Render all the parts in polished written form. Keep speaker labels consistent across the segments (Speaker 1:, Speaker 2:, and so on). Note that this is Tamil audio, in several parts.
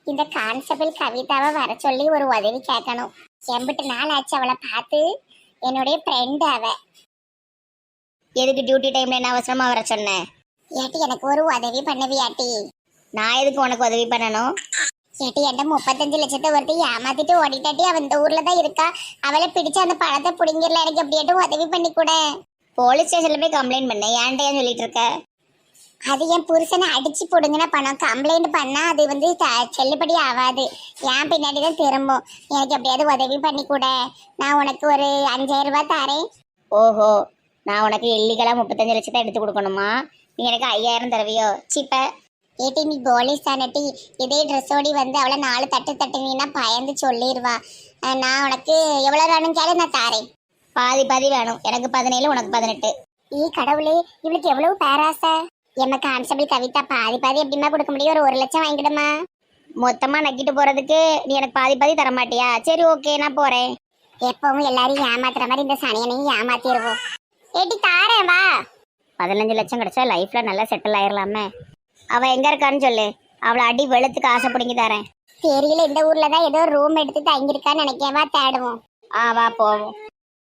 Speaker 1: இந்த கான்ஸ்டபிள் கவிதாவை வர சொல்லி ஒரு உதவி கேட்கணும். எம்பிட்டு நாள் ஆச்சு அவளை பார்த்து. என்னுடைய ஃப்ரெண்ட் அவ.
Speaker 2: எதுக்கு டியூட்டி டைம்ல என்ன அவசரமா வர சொன்னேன்?
Speaker 1: ஏட்டி எனக்கு ஒரு உதவி பண்ணுவியாட்டி?
Speaker 2: நான் எதுக்கு உனக்கு உதவி பண்ணணும்?
Speaker 1: ஏட்டி என்கிட்ட 35 லட்சத்தை ஒருத்தி ஏமாத்திட்டு ஓடிட்டாட்டி. அவன் இந்த ஊர்ல தான் இருக்கா. அவளை பிடிச்சு அந்த பணத்தை பிடிங்கிடல. எனக்கு எப்படியாட்டும் உதவி பண்ணி கூட.
Speaker 2: போலீஸ் ஸ்டேஷன்ல போய் கம்ப்ளைண்ட் பண்ணேன். ஏன்ட்ட ஏன் சொல்லிட்டு இருக்க?
Speaker 1: அது என் புருஷனை அடிச்சு போடுங்கின பணம். கம்ப்ளைண்ட் பண்ணா அது செல்லுபடி ஆகாது. ஏன் பின்னாடி தான் திரும்பும். எனக்கு எப்படியாவது உதவி பண்ணி கூட. நான் உனக்கு ஒரு 5000 ரூபாய் தரேன்.
Speaker 2: ஓஹோ, நான் உனக்கு இல்லீகலா 35 லட்சத்தை எடுத்து கொடுக்கணுமா? நீ எனக்கு 5000 தருவியோ? சிப்ப
Speaker 1: ஏட்டி நீ போலீஸ் தானட்டி. இதே ட்ரெஸ்ஸோடி வந்து அவளை 4 தட்டு தட்டுனீன்னா பயந்து சொல்லிடுவா. நான் உனக்கு எவ்வளோ வேணும் கேளு, நான் தாரேன்.
Speaker 2: பாதி பாதி வேணும். எனக்கு 17, உனக்கு 18.
Speaker 1: கடவுளே, இவளுக்கு எவ்வளவு பேராசை. எம்ம கான்ஸ்டபிள் கவிதா பாதி பாதி எப்படிமா கொடுக்க முடியும்? ஒரு 1 லட்சம் வாங்கிடுமா?
Speaker 2: மொத்தமா நக்கிட்டு போறதுக்கு நீ எனக்கு பாதி பாதி தர மாட்டியா? சரி, ஓகே, நான் போறேன்.
Speaker 1: எப்பவும் எல்லாரையும் ஏமாத்துற மாதிரி இந்த சனியனையும் ஏமாத்திடுவோம். ஏட்டி தாரேன் வா.
Speaker 2: 15 லட்சம் கிடைச்சா லைஃப்ல நல்லா செட்டில் ஆயிரலாமே. அவ எங்க இருக்கான்னு சொல்லு. அவளை அடி வெளுத்துக்கு ஆசை பிடிங்கி தரேன்.
Speaker 1: தெரியல, இந்த ஊர்ல தான் ஏதோ ரூம் எடுத்து தங்கியிருக்கான்னு நினைக்கேன். வா தேடுவோம்.
Speaker 2: வா போவோம்.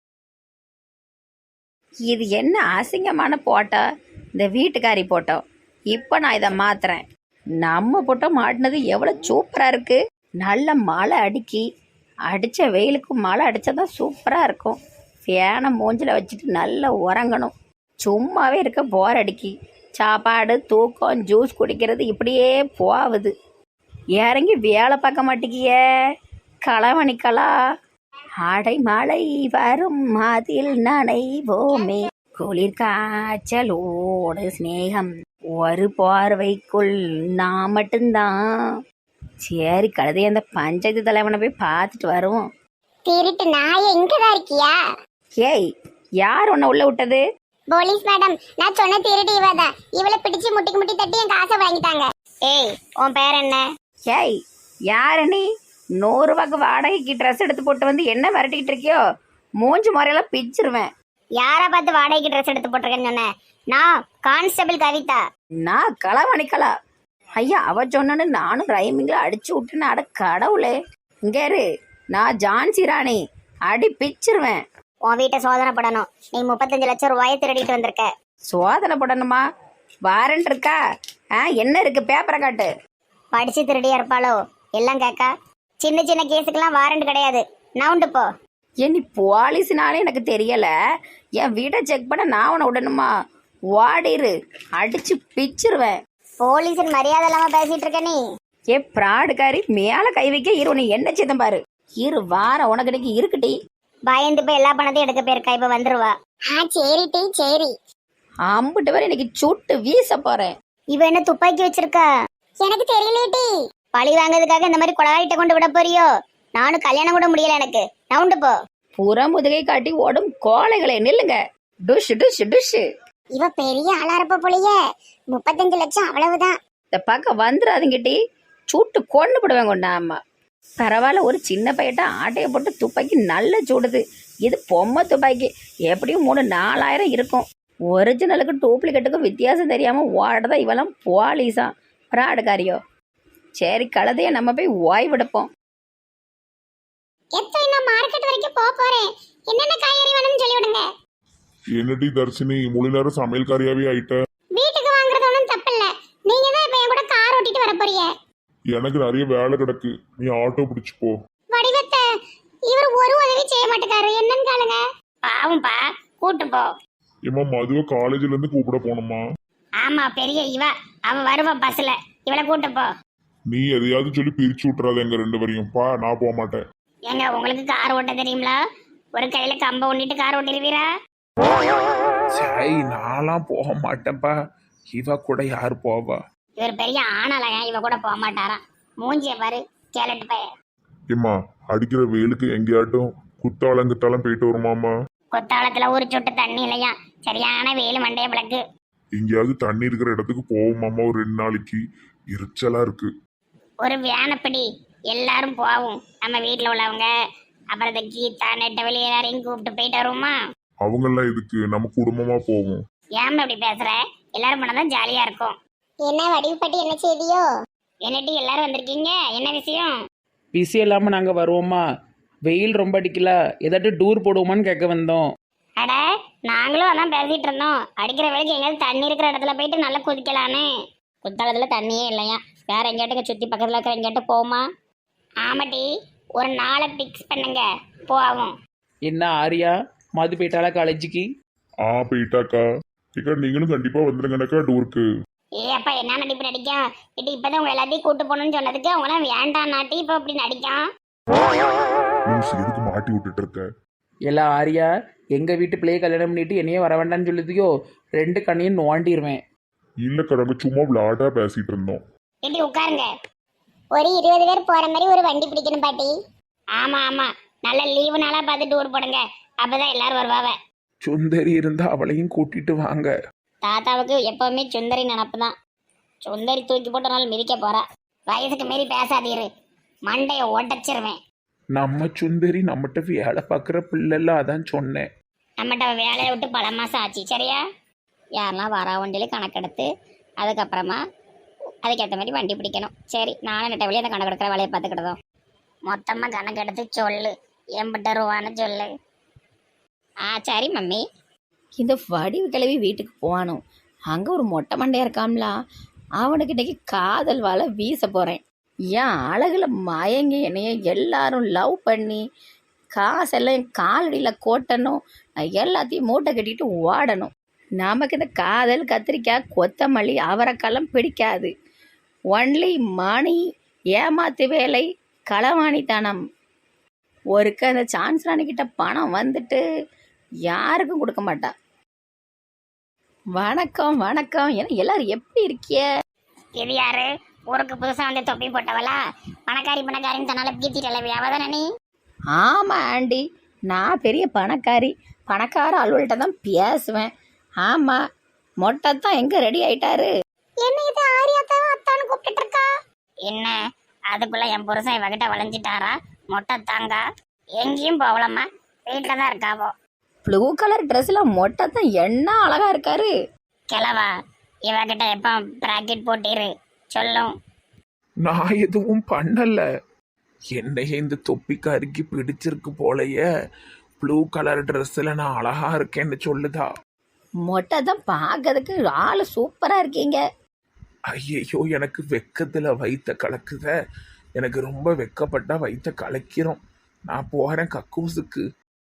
Speaker 3: இது என்ன அசிங்கமான போட்டோ? இந்த வீட்டுக்காரி போட்டோ. இப்போ நான் இதை மாத்துறேன். நம்ம போட்டோ மாட்டினது எவ்வளோ சூப்பராக இருக்கு. நல்ல மழை அடித்த வெயிலுக்கு மழை அடித்தாதான் சூப்பராக இருக்கும். ஃபேனை மூஞ்சில் வச்சுட்டு நல்லா உறங்கணும். சும்மாவே இருக்க போர் அடிக்கி. சாப்பாடு, தூக்கம், ஜூஸ் குடிக்கிறது இப்படியே போகுது. இறங்கி வேலை பார்க்க மாட்டேங்கிய களவணிக்கலா. ஆடை மழை வரும் அதில் நனைவோமே, குளிர் காய்ச்சலோடு ஸ்நேகம் ஒரு பார்வைக்குள் நான் மட்டும்தான். சரி, கழுதை அந்த பஞ்சாயத்து தலைவனை போய் பார்த்துட்டு வருவோம்.
Speaker 1: திருட்டு நாய் எங்கதான் இருக்கியா?
Speaker 3: ஏய், யார் உன்னை உள்ள விட்டது?
Speaker 1: போலீஸ் மேடம், நான் சொன்ன திருட்டு இவதான். இவளை பிடிச்சு முட்டிக்கு முட்டி தட்டி என் காசை வாங்கிட்டாங்க.
Speaker 2: ஏய், உன் பேர் என்ன?
Speaker 3: ஏய், யாரு நீ? 100 ரூபாய்க்கு வாடகைக்கு ட்ரெஸ் எடுத்து போட்டு வந்து என்ன விரட்டிக்கிட்டு இருக்கியோ? மூஞ்சி முறையெல்லாம் பிச்சிருவேன்.
Speaker 2: யாரை பார்த்து வாடகைக்கு ட்ரெஸ் எடுத்து போட்டிருக்கேன்னு சொன்னேன்? நான் கான்ஸ்டபிள் கவிதா.
Speaker 3: நான் களவணிக்கலா. ஐயா, அவ சொன்னு நானும் ரைமிங்ல அடிச்சு விட்டுன்னு. அட கடவுளே, இங்க இரு. நான் ஜான்சி ராணி. அடி பிச்சிருவேன்.
Speaker 2: உன் வீட்டை சோதனை படணும். நீ 35 லட்சம் ரூபாயை திருடிட்டு வந்திருக்க.
Speaker 3: சோதனை போடணுமா? வாரண்ட் இருக்கா? என்ன இருக்கு? பேப்பரை காட்டு.
Speaker 2: படிச்சு திருடியா இருப்பாளோ? எல்லாம் கேக்கா. சின்ன சின்ன கேஸுக்கெல்லாம் வாரண்ட் கிடையாது. நவுண்டு போ.
Speaker 3: ஏன் நீ போலீஸ்னாலே எனக்கு தெரியல. என் வீட்டை செக் பண்ண நான் உன்னை விடணுமா? வாடிரு, அடிச்சு பிச்சிருவேன்.
Speaker 2: போலீஸ் மரியாதை இல்லாம பேசிட்டு இருக்க நீ.
Speaker 3: ஏ பிராடுக்காரி, மேல கை வைக்க இரு. உன்னை என்ன சேதம் பாரு. இரு வாரம் உனக்கு இன்னைக்கு இருக்குட்டி.
Speaker 2: பயந்து போய் எல்லா பணத்தையும் எடுக்க போயிருக்கா. இப்ப வந்துருவா.
Speaker 1: சரிட்டி சரி.
Speaker 3: அம்பிட்டு வரை இன்னைக்கு சுட்டு வீச போறேன்.
Speaker 2: இவ என்ன துப்பாக்கி வச்சிருக்கா?
Speaker 1: எனக்கு தெரியலேட்டி.
Speaker 2: பழி வாங்குறதுக்காக இந்த மாதிரி கொலகாரிட்ட கொண்டு விட போறியோ? நானும் கல்யாணம் கூட முடியல எனக்கு. நவுண்டு போ.
Speaker 3: புற முதுகை காட்டி ஓடும் கோழைகளை நில்லுங்க. டுஷ் டுஷ் டுஷ்.
Speaker 1: இவ பெரிய ஆளா இருப்ப போலயே. 35 லட்சம் அவ்வளவுதான்.
Speaker 3: இந்த பக்கம் வந்துடாதுங்கிட்டி. சுட்டு கொண்டு போடுவேன் கொண்டா. அம்மா பரவாயில்ல, ஒரு சின்ன பையட்ட ஆட்டையை போட்டு துப்பாக்கி நல்லா சுடுது. இது பொம்மை துப்பாக்கி. எப்படியும் 3-4000 இருக்கும். ஒரிஜினலுக்கு டூப்ளிகேட்டுக்கும் வித்தியாசம் தெரியாம ஓடதான் இவெல்லாம் போலீஸா பிராடுக்காரியோ. சரி, கழுதைய நம்ம போய் ஓய்வெடுப்போம்.
Speaker 1: எப்ப நான் மார்க்கெட் வரைக்கும் போறேன். என்னென்ன காய்கறி வேணும்னு சொல்லி விடுங்க.
Speaker 4: என்னடி தர்ஷினி, முழு நேரம் சமையல்காரியாவே ஆயிட்ட.
Speaker 1: வீட்டுக்கு வாங்குறது ஒன்றும் தப்பில்ல. நீங்க தான் இப்ப என் கூட கார் ஓட்டிட்டு வர போறீங்க.
Speaker 4: எனக்கு நிறைய வேலை கிடக்கு. நீ ஆட்டோ பிடிச்சு போ.
Speaker 1: வடிவத்தை இவர் ஒரு உதவி செய்ய மாட்டேங்காரு. என்னன்னு கேளுங்க.
Speaker 2: பாவம்பா, கூட்டு போ.
Speaker 4: ஏமா, மதுவை காலேஜ்ல இருந்து கூப்பிட போகணுமா?
Speaker 2: ஆமா, பெரிய இவ. அவ வருவா பஸ்ல. இவளை கூட்டு போ.
Speaker 4: நீ எதையாவது சொல்லி பிரிச்சு விட்டுறாத எங்க 2 பேரையும். பா, நான் போக மாட்டேன்.
Speaker 2: ஏங்க, உங்களுக்கு கார் ஓட்ட தெரியுங்களா? ஒரு கையில கம்ப ஒண்ணிட்டு கார் ஓட்டிருவீரா?
Speaker 5: சரி, நான்லாம் போக மாட்டேன்ப்பா. இவ கூட யார் போவா?
Speaker 2: இவர் பெரிய ஆனாலயா? இவ கூட போக மாட்டாராம். மூஞ்சிய பாரு, கேலட்டு பைய.
Speaker 4: ஏம்மா, அடிக்கிற வெயிலுக்கு எங்கேயாட்டும் குத்தாலங்கிட்டாலும் போயிட்டு வருமாமா?
Speaker 2: கொத்தாளத்துல ஒரு சொட்டு தண்ணி இல்லையா? சரியான வெயில் மண்டைய பிளக்கு.
Speaker 4: எங்கேயாவது தண்ணி இருக்கிற இடத்துக்கு போவோமாமா? ஒரு 2 நாளைக்கு எரிச்சலா இருக்கு.
Speaker 2: ஒரு வேனப்படி எல்லாரும் போவோம். நம்ம வீட்டுல உள்ளவங்க, அப்புறம் இந்த கீதா, நெட்டவெளி எல்லாரையும் கூப்பிட்டு போயிட்டு வருவோமா?
Speaker 4: அவங்கெல்லாம் இதுக்கு நம்ம குடும்பமா போவோம்.
Speaker 2: ஏன் இப்படி பேசுற? எல்லாரும் போனாதான் ஜாலியா இருக்கும்.
Speaker 1: என்ன வடிவுப்பட்டி என்ன செய்தியோ?
Speaker 2: என்னட்டி எல்லாரும் வந்திருக்கீங்க, என்ன விஷயம்?
Speaker 6: பிஸி இல்லாமல் நாங்கள் வருவோமா? வெயில் ரொம்ப அடிக்கல, ஏதாட்டு டூர் போடுவோமான்னு கேட்க வந்தோம்.
Speaker 2: அட, நாங்களும் அதான் பேசிட்டு இருந்தோம். அடிக்கிற வேலைக்கு எங்கேயாவது தண்ணி இருக்கிற இடத்துல போயிட்டு நல்லா குதிக்கலான்னு. குத்தாலத்தில் தண்ணியே இல்லையா, வேற எங்கேயாட்டுங்க சுற்றி பக்கத்தில் இருக்கிற எங்கேயாட்டு போமா? ஆமாட்டி, ஒரு நாளை ஃபிக்ஸ் பண்ணுங்க, போவோம்.
Speaker 6: என்ன ஆரியா, மது போயிட்டாளா காலேஜுக்கு?
Speaker 4: போயிட்டாக்கா. ஏக்கா நீங்களும் கண்டிப்பா வந்துருங்கனாக்கா டூருக்கு.
Speaker 2: ஏ அப்பா, என்ன நடிப்பு நடிக்கும்? இட்டு இப்பதான் உங்க எல்லாத்தையும் கூட்டு போகணும்னு சொன்னதுக்கு அவங்களாம் வேண்டாம் நாட்டி இப்போ அப்படி நடிக்கான்.
Speaker 4: லூசு, எதுக்கு மாட்டி விட்டுட்டு இருக்க?
Speaker 6: எல்லாம் ஆரியா, எங்கள் வீட்டு பிள்ளையை கல்யாணம் பண்ணிட்டு என்னையே வர வேண்டாம்னு சொல்லுதியோ, 2 கண்ணையும் நோண்டிடுவேன்.
Speaker 4: இல்லக்கா, நாங்க சும்மா விளையாட்டா பேசிட்டு இருந்தோம்.
Speaker 2: இட்டி உட்காருங்க.
Speaker 1: ஒரு 20 பேர் போற மாதிரி ஒரு வண்டி பிடிக்கணும் பாட்டி.
Speaker 2: ஆமா ஆமா, நல்ல லீவு நாளா பார்த்து டூர் போடுங்க, அப்பதான் எல்லாரும் வருவாவ.
Speaker 5: சுந்தரி இருந்தா அவளையும் கூட்டிட்டு வாங்க.
Speaker 2: தாத்தாவுக்கு எப்பவுமே சுந்தரி நினப்பு தான். சுந்தரி தூக்கி போட்ட நாள் மிதிக்க போறா. வயசுக்கு மீறி பேசாதீரு, மண்டையை உடச்சிருவேன்.
Speaker 5: நம்ம சுந்தரி நம்மகிட்ட வேலை பார்க்குற பிள்ளைல, அதான் சொன்னேன்.
Speaker 2: நம்மகிட்ட வேலையை விட்டு பல மாசம் ஆச்சு, சரியா? யாரெல்லாம் வரா வண்டியில கணக்கெடுத்து அதுக்கப்புறமா அதுக்கேற்ற மாதிரி வண்டி பிடிக்கணும். சரி, நானும் நெட்ட வழியாக அந்த கணக்கெடுக்கிற வேலையை பார்த்துக்கிட்டதும் மொத்தமாக கணக்கெடுத்து சொல்லு, எம்பிட்ட ரூபான்னு சொல்லு. சரி மம்மி.
Speaker 3: இந்த வடிவு கிளவி வீட்டுக்கு போகணும். அங்கே ஒரு மொட்டை மண்டையா இருக்காம்ல, அவனுக்கு இன்னைக்கு காதல் வாழை வீச போகிறேன். ஏன் அழகில் மயங்கி என்னைய எல்லாரும் லவ் பண்ணி காசெல்லாம் என் காலடியில் கோட்டணும். நான் எல்லாத்தையும் மூட்டை கட்டிட்டு ஓடணும். நமக்கு இந்த காதல், கத்திரிக்காய், கொத்தமல்லி, அவரைக்காலம் பிடிக்காது. ஒன்லி மணி, ஏமாத்து வேலை, களவாணித்தனம். ஒருக்க அந்த சான்ஸ் ராணிக்கிட்ட பணம் வந்துட்டு யாருக்கும் கொடுக்க மாட்டா. வணக்கம் வணக்கம், ஏன்னா எல்லாரும் எப்படி இருக்கிய?
Speaker 2: இது யாரு? ஊருக்கு புதுசா வந்து தொப்பி போட்டவளா? பணக்காரின்னு தன்னால பீத்திட்டல வியாபாரம் நீ?
Speaker 3: ஆமாம் ஆண்டி, நான் பெரிய பணக்காரி. பணக்கார அலுவல்கிட்ட தான் பேசுவேன். ஆமாம், மொட்டை தான் எங்கே ரெடி ஆயிட்டாரு?
Speaker 1: என்ன இது ஆரியாத்தான் அத்தான்னு கூப்பிட்டு இருக்கா?
Speaker 2: என்ன அதுக்குள்ள என் புருஷன் இவகிட்ட வளைஞ்சிட்டாரா? மொட்டை தாங்க எங்கேயும் போகலாமா, வீட்டில் தான் இருக்காவோ.
Speaker 3: ப்ளூ கலர் ட்ரெஸ்ஸில் மொட்டை தான் என்ன அழகா இருக்காரு.
Speaker 2: கிளவா, இவகிட்ட எப்போ ப்ராக்கெட் போட்டிரு சொல்லும்.
Speaker 5: நான் எதுவும் பண்ணல. என்னைய இந்த தொப்பிக்காரிக்கு பிடிச்சிருக்கு போலயே. ப்ளூ கலர் ட்ரெஸ்ஸில் நான் அழகா இருக்கேன்னு சொல்லுதா.
Speaker 3: மொட்டை தான் பார்க்கறதுக்கு ஆள் சூப்பராக இருக்கீங்க.
Speaker 5: ஐயையோ, எனக்கு வெக்கத்துல வயித்த கலக்குத. எனக்கு ரொம்ப வெக்கப்பட்டா வயித்த கலக்கிறோம். நான் போறேன் கக்கூசுக்கு.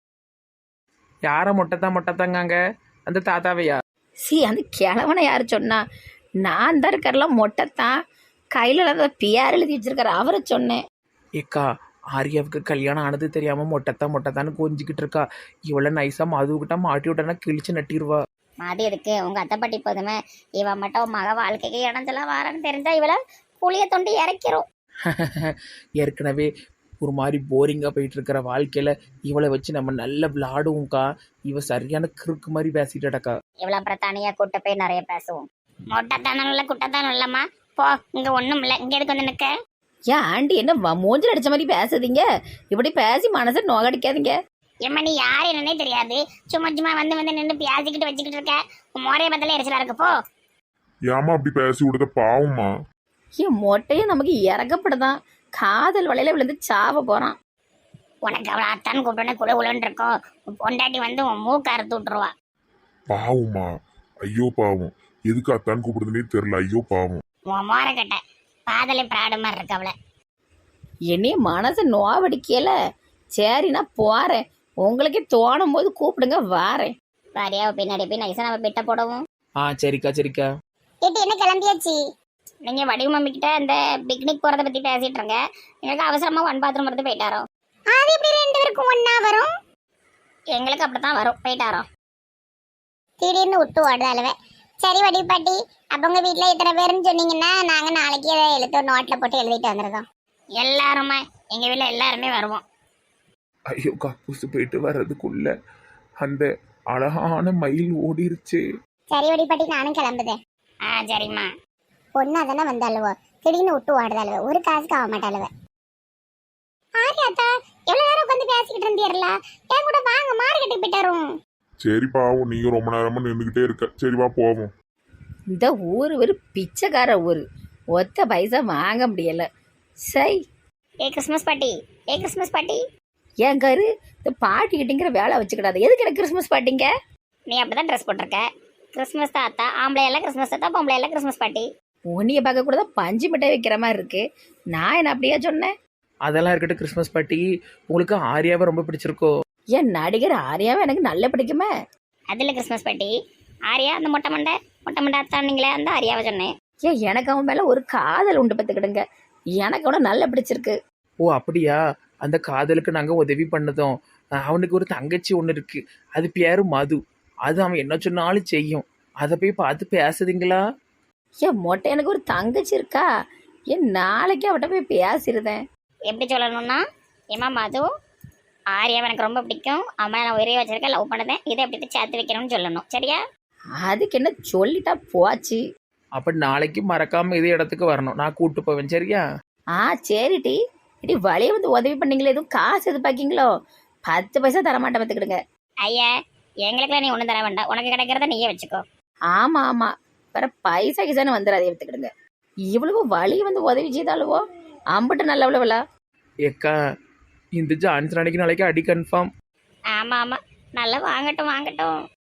Speaker 6: யாரை மொட்டைத்தாங்காங்க? அந்த தாத்தாவையா?
Speaker 3: அந்த கிழவனை யார் சொன்னா? நான் தான் இருக்கிறலாம் மொட்டை தான். கையில் அதை பியார் எழுதி வச்சிருக்காரு, அவரை சொன்னேன்.
Speaker 6: ஏக்கா, ஆரியாவுக்கு கல்யாணம் ஆனது தெரியாமல் மொட்டைத்தான்னு கொஞ்சிக்கிட்டு இருக்கா. இவ்வளோ நைஸாக மதுக்கிட்ட மாட்டி விட்டனா கிழிச்சு நட்டிடுவா.
Speaker 2: மாதிரி இருக்கு உங்க அத்தை பாட்டி போதுமே. இவ மட்டும் மக வாழ்க்கைக்கு இடஞ்செல்லாம் வாரன்னு தெரிஞ்சா இவளை புளிய தொண்டு இறக்கிறோம்.
Speaker 6: ஏற்கனவே ஒரு மாதிரி போரிங்காக போயிட்டு இருக்கிற வாழ்க்கையில் இவளை வச்சு நம்ம நல்ல விளாடுவோம்க்கா. இவ சரியான கிறுக்கு மாதிரி பேசிட்டாக்கா.
Speaker 2: இவ்வளோ அப்புறம் தனியாக கூட்ட போய் நிறைய பேசுவோம். மொட்டைத்தானும் இல்லை குட்டைத்தானும் இல்லைம்மா, போ. இங்கே ஒன்றும் இல்லை, இங்கே எதுக்கு வந்து நிற்க?
Speaker 3: ஏன் ஆண்டி என்ன மூஞ்சில் அடிச்ச மாதிரி பேசுதீங்க? இப்படி பேசி மனசை நோகடிக்காதீங்க.
Speaker 2: ஏம்மா, நீ யார் என்னன்னே தெரியாது, சும்மா சும்மா வந்து நின்று பேசிக்கிட்டு வச்சுக்கிட்டு இருக்க. மோரைய பத்தில எரிச்சலா இருக்கு, போ.
Speaker 4: ஏமா அப்படி பேசி விடுத? பாவமா.
Speaker 3: ஏன் மொட்டையும் நமக்கு இறக்கப்படுதான், காதல் வலையில விழுந்து சாவ போறான்.
Speaker 2: உனக்கு அவளை அத்தான்னு கூப்பிட்டோன்னே குழுன்னு இருக்கும். பொண்டாட்டி வந்து உன் மூக்க அறுத்து விட்டுருவா.
Speaker 4: பாவமா, ஐயோ பாவம். எதுக்கு அத்தான் கூப்பிடுதுன்னே தெரியல. ஐயோ பாவம்.
Speaker 2: உன் மோரை கட்ட பாதலை பிராடு மாதிரி இருக்கு அவளை.
Speaker 3: என்னைய மனசை நோவடிக்கல. சரி, நான் போறேன். உங்களுக்கே தோணும் போது கூப்பிடுங்க, வாரேன்.
Speaker 2: பாரியா பின்னாடி போய் நைசா நம்ம பிட்ட போடவும்.
Speaker 6: சரிக்கா.
Speaker 1: கேட்டு என்ன கிளம்பியாச்சு?
Speaker 2: நீங்க வடிவு மம்மி கிட்ட அந்த பிக்னிக் போறத பத்தி பேசிட்டு இருங்க. எங்களுக்கு அவசரமா 1 பாத்ரூம் எடுத்து போயிட்டாரோ.
Speaker 1: அது எப்படி 2 பேருக்கும் ஒண்ணா வரும்?
Speaker 2: எங்களுக்கு அப்படித்தான் வரும், போயிட்டாரோ.
Speaker 1: திடீர்னு விட்டு ஓடுதாளுவே. சரி வடிவு பாட்டி, அப்ப உங்க வீட்டுல எத்தனை பேருன்னு சொன்னீங்கன்னா நாங்க நாளைக்கு அதை எழுத்து ஒரு நோட்ல போட்டு எழுதிட்டு வந்துருக்கோம்.
Speaker 2: எல்லாருமே எங்க வீட்டுல எல்லாருமே வருவோம்.
Speaker 5: ஐயோ, கக்கூசு போயிட்டு வர்றதுக்குள்ள அந்த அழகான மயில் ஓடிருச்சு.
Speaker 1: சரி வடிவு பாட்டி, நானும் கிளம்புதேன்.
Speaker 2: சரிம்மா.
Speaker 1: பொண்ணா தானே வந்தாளுவோ, திடீர்னு விட்டு ஓடுதாளுவ. ஒரு காசுக்கு ஆக மாட்டாளுவ. ஆரியாத்தா, எவ்வளவு நேரம் உட்காந்து பேசிக்கிட்டு இருந்தீர்ல, என் கூட வாங்க, மார்க்கெட்டுக்கு போயிட்டாரும்.
Speaker 4: சரி பாவம், நீங்க ரொம்ப நேரமா நின்றுகிட்டே இருக்க. சரி வா போவோம்.
Speaker 3: இந்த ஊர் ஒரு பிச்சைக்கார ஊர். ஒத்த பைசா வாங்க முடியல. சை,
Speaker 2: ஏ கிறிஸ்மஸ் பாட்டி, ஏ கிறிஸ்மஸ் பாட்டி.
Speaker 3: என் கரு இந்த பாட்டிக்கிட்டிங்கிற வேலை வச்சுக்கிடாது. எதுக்கு எனக்கு கிறிஸ்மஸ் பாட்டிங்க?
Speaker 2: நீ அப்படிதான் ட்ரெஸ் போட்டிருக்க. கிறிஸ்மஸ் தாத்தா ஆம்பளை எல்லாம், கிறிஸ்மஸ் தாத்தா பொம்பளை எல்லாம், கிறிஸ்மஸ் பாட்டி.
Speaker 3: உன்னைய பார்க்க கூட தான் பஞ்சு மிட்டாய் வைக்கிற மாதிரி இருக்கு. நான் என்ன அப்படியா சொன்னேன்?
Speaker 6: அதெல்லாம் இருக்கட்டும் கிறிஸ்மஸ் பாட்டி, உங்களுக்கு ஆரியாவை ரொம்ப பிடிச்சிருக்கோ?
Speaker 3: என் நடிகர் ஆரியாவை எனக்கு நல்ல பிடிக்குமே.
Speaker 2: அதில் கிறிஸ்மஸ் பாட்டி ஆரியா, அந்த மொட்டை மண்டை அத்தானீங்களே, அந்த ஆரியாவை சொன்னேன்.
Speaker 3: ஏன் எனக்கு அவன் மேல ஒரு காதல் உண்டு பார்த்துக்கிடுங்க. எனக்கு அவனை நல்ல பிடிச்சிருக்கு.
Speaker 6: ஓ அப்படியா? அந்த காதலுக்கு நாங்கள் உதவி பண்ணதும். அவனுக்கு ஒரு தங்கச்சி ஒன்று இருக்கு, அது பேரு மது. அது அவன் என்ன சொன்னாலும் செய்யும். அதை போய் பார்த்து பேசுதுங்களா?
Speaker 3: ஏன் மொட்டை எனக்கு ஒரு தங்கச்சி இருக்கா? ஏன் நாளைக்கு அவட்ட போய் பேசிடுதேன்.
Speaker 2: எப்படி சொல்லணும்னா, ஏமா மது, ஆரியாவை எனக்கு ரொம்ப பிடிக்கும், அம்மா நான் உயிரை வச்சிருக்கேன், லவ் பண்ணதேன், இதை எப்படி சேர்த்து வைக்கணும்னு சொல்லணும். சரியா?
Speaker 3: அதுக்கு என்ன சொல்லிட்டா போச்சு.
Speaker 6: அப்போ நாளைக்கு மறக்காம இதே இடத்துக்கு வரணும், நான் கூட்டு போவேன். சரியா?
Speaker 3: சரிடி. இடி வழியை வந்து உதவி பண்ணீங்களே, எதுவும் காசு எதிர்பார்க்கீங்களோ? 10 பைசா தரமாட்டேன் பார்த்துக்கிடுங்க.
Speaker 2: ஐயா, எங்களுக்குலாம் நீ ஒன்றும் தர வேண்டாம், உனக்கு கிடைக்கிறத நீயே வச்சுக்கோ.
Speaker 3: ஆமா ஆமா, வேற பைசா கிசான்னு வந்துடாதே எடுத்துக்கிடுங்க. இவ்வளவு வழி வந்து உதவி செய்தாலுவோ அம்பிட்டு நல்லவளவளா.
Speaker 6: ஏக்கா, இந்த ஜான்சன் அன்னைக்கு நாளைக்கு அடி கன்ஃபார்ம்.
Speaker 2: ஆமாம் ஆமாம், நல்லா வாங்கட்டும் வாங்கட்டும்.